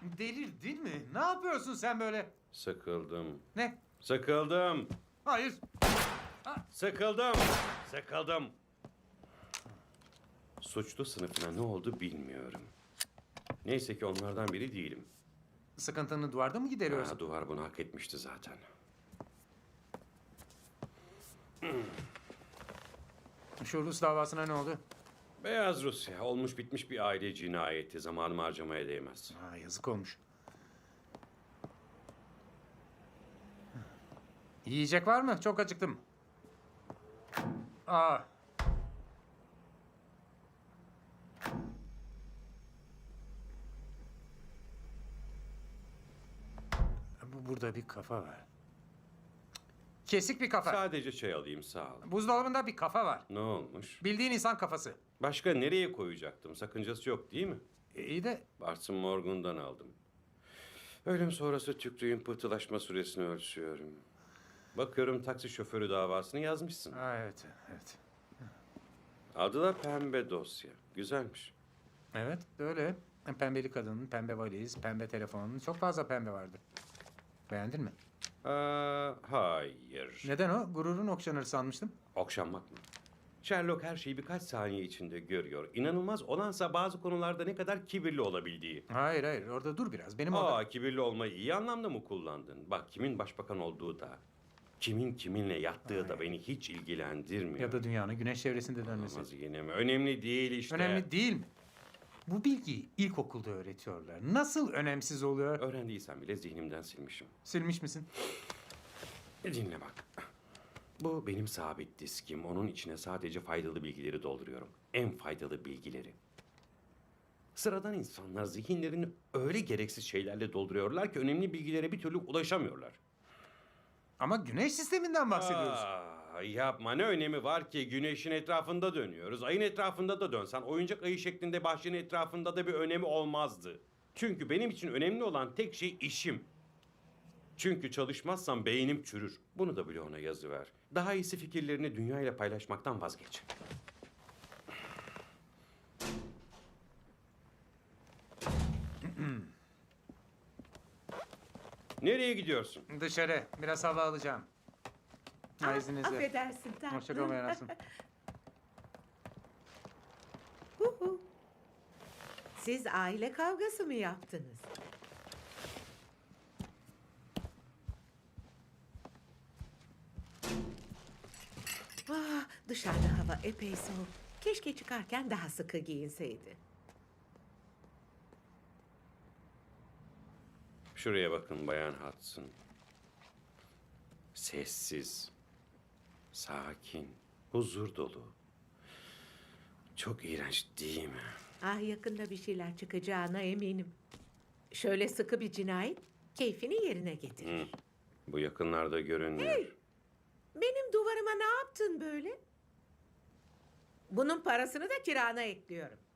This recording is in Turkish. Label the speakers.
Speaker 1: Delirdin mi? Ne yapıyorsun sen böyle?
Speaker 2: Sıkıldım.
Speaker 1: Ne?
Speaker 2: Sıkıldım.
Speaker 1: Hayır.
Speaker 2: Sıkıldım. Sıkıldım. Suçlu sınıfına ne oldu bilmiyorum. Neyse ki onlardan biri değilim.
Speaker 1: Sıkıntını duvarda mı gideriyorsun?
Speaker 2: Ha, duvar bunu hak etmişti zaten.
Speaker 1: Şu Rus davasına ne oldu?
Speaker 2: Beyaz Rusya olmuş bitmiş bir aile cinayeti. Zamanımı harcamaya değmez.
Speaker 1: Ha, yazık olmuş. Yiyecek var mı? Çok acıktım. Aa. Burada bir kafa var. Kesik bir kafa.
Speaker 2: Sadece çay alayım sağ ol.
Speaker 1: Buzdolabında bir kafa var.
Speaker 2: Ne olmuş?
Speaker 1: Bildiğin insan kafası.
Speaker 2: Başka nereye koyacaktım? Sakıncası yok değil mi?
Speaker 1: İyi de
Speaker 2: Bartın Morgan'dan aldım. Ölüm sonrası tükrüğün pıhtılaşma süresini ölçüyorum. Bakıyorum taksi şoförü davasını yazmışsın.
Speaker 1: ha, evet, evet.
Speaker 2: Adı da Pembe Dosya. Güzelmiş.
Speaker 1: Evet, öyle. Pembeli kadın, pembe valiz, pembe telefon. Çok fazla pembe vardı. Beğendin mi?
Speaker 2: Hayır.
Speaker 1: Neden o? Gururun okşanır sanmıştım.
Speaker 2: Okşanmak mı? Sherlock her şeyi birkaç saniye içinde görüyor. İnanılmaz olansa bazı konularda ne kadar kibirli olabildiği.
Speaker 1: Hayır, hayır. Orada dur biraz. Benim orada...
Speaker 2: Kibirli olmayı iyi anlamda mı kullandın? Bak kimin başbakan olduğu da, kimin kiminle yattığı da beni hiç ilgilendirmiyor.
Speaker 1: Ya da dünyanın güneş çevresinde dönmesi.
Speaker 2: Olmaz yine mi? Önemli değil işte.
Speaker 1: Önemli değil mi? Bu bilgiyi ilkokulda öğretiyorlar. Nasıl önemsiz oluyor?
Speaker 2: Öğrendiysen bile zihnimden silmişim.
Speaker 1: Silmiş misin?
Speaker 2: Dinle bak. Bu benim sabit diskim. Onun içine sadece faydalı bilgileri dolduruyorum. En faydalı bilgileri. Sıradan insanlar zihinlerini öyle gereksiz şeylerle dolduruyorlar ki önemli bilgilere bir türlü ulaşamıyorlar.
Speaker 1: Ama güneş sisteminden bahsediyoruz.
Speaker 2: Yapma ne önemi var ki güneşin etrafında dönüyoruz. Ayın etrafında da dönsen oyuncak ayı şeklinde bahçenin etrafında da bir önemi olmazdı. Çünkü benim için önemli olan tek şey işim. Çünkü çalışmazsam beynim çürür. Bunu da bloğuna yazıver. Daha iyisi fikirlerini dünyayla paylaşmaktan vazgeç. Nereye gidiyorsun?
Speaker 1: Dışarı. Biraz hava alacağım. Ha, izninizle.
Speaker 3: Affedersin tatlım.
Speaker 1: Hoşça kal Bayan Asım.
Speaker 3: Huhu. Siz aile kavgası mı yaptınız? Dışarıda hava epey soğuk. Keşke çıkarken daha sıkı giyinseydi.
Speaker 2: Şuraya bakın Bayan Hudson. Sessiz, sakin, huzur dolu. Çok iğrenç değil mi?
Speaker 3: Yakında bir şeyler çıkacağına eminim. Şöyle sıkı bir cinayet keyfini yerine getirir.
Speaker 2: Bu yakınlarda görünmüyor.
Speaker 3: Hey! Benim duvarıma ne yaptın böyle? Bunun parasını da kirana ekliyorum.